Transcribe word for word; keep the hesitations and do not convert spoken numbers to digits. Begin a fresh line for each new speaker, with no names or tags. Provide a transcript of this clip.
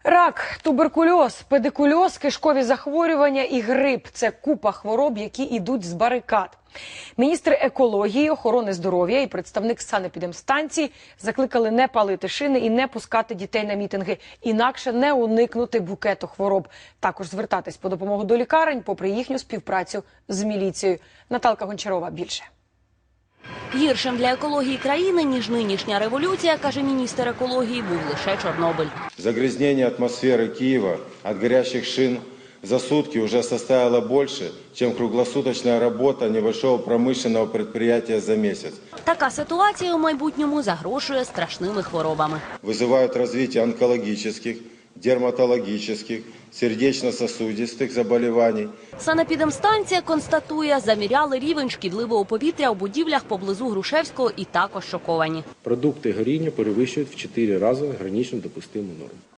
Рак, туберкульоз, педикульоз, кишкові захворювання і грип – це купа хвороб, які йдуть з барикад. Міністр екології, охорони здоров'я і представник санепідемстанції закликали не палити шини і не пускати дітей на мітинги, інакше не уникнути букету хвороб. Також звертатись по допомогу до лікарень, попри їхню співпрацю з міліцією. Наталка Гончарова більше.
Гіршим для екології країни, ніж нинішня революція, каже міністр екології, був лише Чорнобиль.
Загрязнение атмосферы Киева от горящих шин за сутки уже составило больше, чем круглосуточная работа небольшого промышленного предприятия за месяц.
Така ситуація у майбутньому загрожує страшними хворобами.
Вызывают развитие онкологических, дерматологических, сердечно-сосудистых заболеваний.
Санепідемстанція констатує, заміряли рівень шкідливого повітря у будівлях поблизу Грушевського і також шоковані.
Продукти горіння перевищують в чотири рази гранично допустиму норму.